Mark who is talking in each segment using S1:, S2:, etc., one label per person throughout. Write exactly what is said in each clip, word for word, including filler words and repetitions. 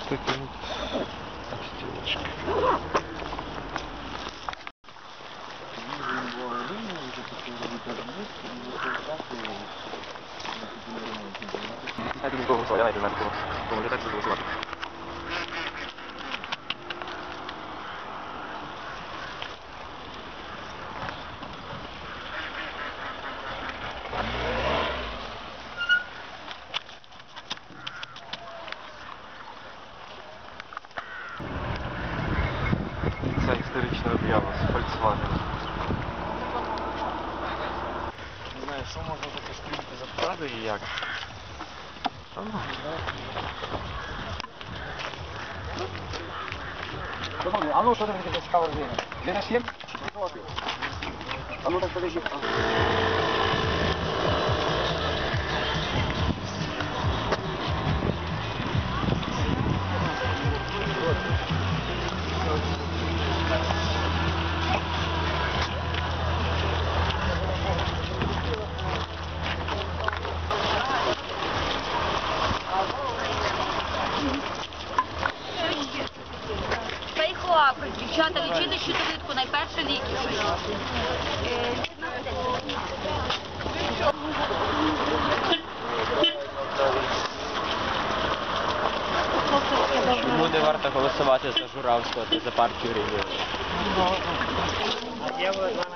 S1: Такі стілочки. Знаєте, нікого голосувати, я навіть не знаю, кого. Кому не так буду голосувати. Це історична об'ява з Volkswagen. Не знаю, що можна таке стрільки запхати і як.
S2: А ну, що там таке цікава родина? Де наш є? А ну так подожди.
S3: Фейхоапи, дівчата, лічити щитовидку, найперше ліки.
S4: Чому не варто голосувати за Журавського та за партію регіонів? А є ви з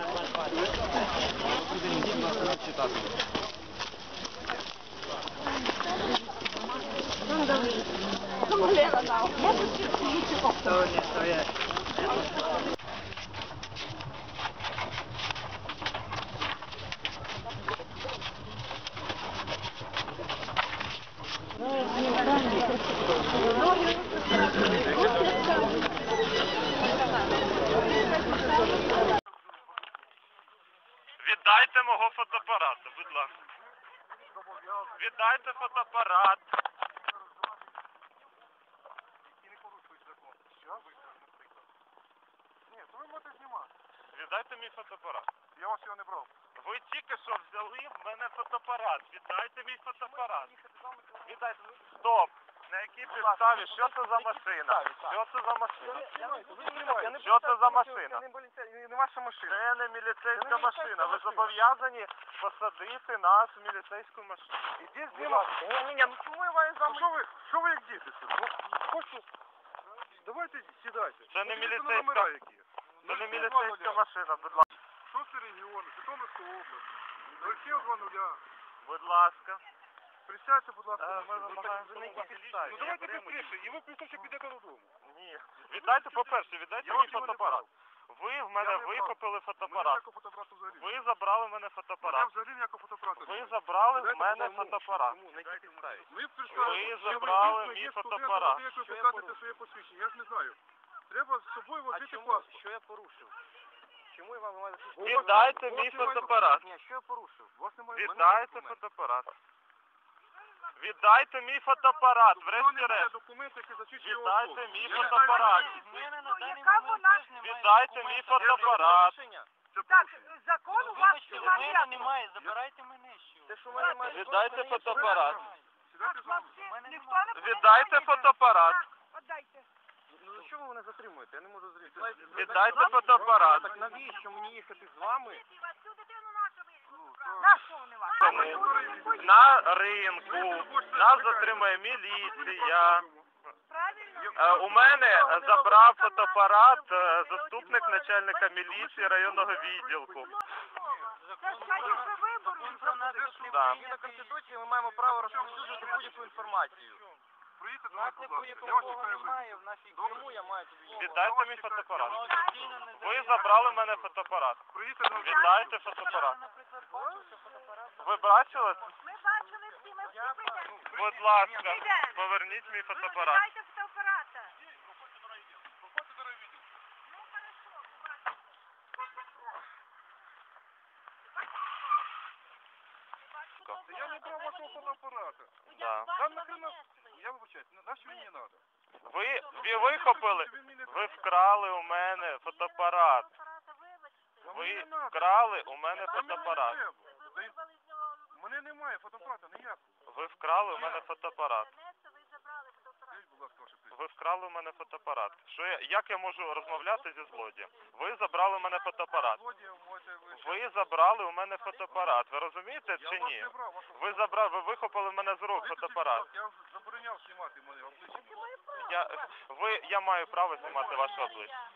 S1: Віддайте мого фотоапарата, будь ласка. Віддайте фотоапарат.
S2: І не порушують закон. Що? Ні, то ви можете знімати.
S1: Віддайте мій фотоапарат.
S2: Я вас його не брав.
S1: Ви тільки що взяли в мене фотоапарат. Віддайте мій фотоапарат. Віддайте. Стоп. На якій підставі? Що це за машина? Що це за машина? Що це за машина?
S2: Це не ваша машина.
S1: Це не міліцейська машина. Ви зобов'язані посадити нас в міліцейську машину.
S2: Ідіть знімати. Ні, ні, ні, ну чому я маю з вами? Що ви, що ви як діти? Ну, хочу... Давайте сідайте.
S1: Це не
S2: Подивіться на
S1: міліцейська-
S2: номера які.
S1: Це не міліцейська машина, будь ласка.
S2: Шостий регіон, Житомирська область. нуль сім два нуля.
S1: Будь ласка.
S2: Присядьте, будь ласка.
S1: Е,
S2: на
S1: ми
S2: машину.
S1: вимагаємо
S2: Ну,
S1: на якій підставі?
S2: Ну давайте
S1: Я беремо
S2: швидше, і ви пізніше підете додому.
S1: Ні. Віддайте, по-перше, віддайте
S2: Я
S1: мій
S2: вас його не
S1: фотоапарат.
S2: брав.
S1: Ви в
S2: Я
S1: мене
S2: не брав.
S1: викупили
S2: Мене
S1: фотоапарат.
S2: ніякого фотоапарату взагалі.
S1: Ви забрали в мене
S2: Мене
S1: фотоапарат.
S2: взагалі ніякого фотоапарату.
S1: Ви
S2: немає.
S1: забрали в
S2: Дайте
S1: мене
S2: додому.
S1: фотоапарат.
S2: Чому? На якій підставі? Ми
S1: Ви
S2: представили, що
S1: забрали
S2: дійсно
S1: мій
S2: є студент,
S1: фотоапарат.
S2: а ви як ви показуєте своє посвідчення, я ж не знаю. Треба з собою возити паспорт.
S4: Що я порушив? Чому я вам маю
S1: Віддайте мій фотоапарат.
S4: Ні, що я порушив?
S2: У вас немає
S1: Віддайте фотоапарат. Віддайте мій фотоапарат, врешті-решт.
S2: документи, які засвідчують його
S1: Віддайте
S2: особу.
S1: мій
S2: Я не знаю,
S1: фотоапарат.
S3: Яка вона?
S1: Віддайте мій фотоапарат.
S2: Це
S3: Так,
S2: порушення.
S3: закон у вас немає.
S4: немає, забирайте мене що. Те, що
S1: Віддайте фотоапарат.
S2: Сідайте з нами.
S3: Ніхто не
S1: Віддайте фотоапарат.
S3: Отдайте.
S4: Ну за що ви мене затримуєте? Я не можу зрозуміти.
S1: Віддайте фотоапарат.
S4: Так навіщо мені їхати з вами?
S3: Цю дитину нашу вийшли. На що вони вас?
S1: Тому на ринку нас затримає міліція.
S3: Правильно?
S1: Е, У мене забрав фотоапарат е, заступник начальника міліції районного відділку.
S3: Це ж, конечно, вибори.
S1: Да.
S4: Згідно Конституції ми маємо право розповсюджувати будь-яку інформацію.
S2: Приїдьте до
S4: У нас
S2: нас, будь ласка.
S4: якої
S2: Я вас
S4: такого
S2: чекаю.
S4: немає, в нашій Криму я маю тобі.
S1: Віддайте мій фотоапарат. Ви забрали в мене фотоапарат.
S2: Приїдьте до нас.
S1: Віддайте фотоапарат. Ви бачили?
S3: Ми бачили всі, ми всі прийдемо.
S1: Будь ласка, поверніть мій фотоапарат.
S3: Дайте фотоапарата.
S2: Проходьте до райвідділку.
S3: Ну, хорошо, побачимо.
S2: Я не брав вашого фотоапарата.
S1: Да.
S2: Там нахрена... Я вибачаюсь, на що мені не треба?
S1: Ви, ви вихопили, ви вкрали у мене фотоапарат. Ви вкрали у мене фотоапарат.
S2: У мене немає фотоапарата ніякого.
S1: Ви вкрали у мене фотоапарат.
S2: Скажіть, будь ласка, ваше прізвище.
S1: ви вкрали у мене фотоапарат. Що я, як я можу розмовляти зі злодієм? Ви забрали у мене фотоапарат.
S2: Злодієм можете ви...
S1: Ви забрали у мене фотоапарат. Ви розумієте
S2: Я
S1: чи
S2: вас
S1: ні?
S2: не брав, вашу...
S1: Ви забрали, ви вихопили в мене з рук
S2: Виключіть,
S1: фотоапарат.
S2: будь ласка, Я забороняв знімати мене обличчя.
S1: Я, ви, я маю право знімати ваше обличчя.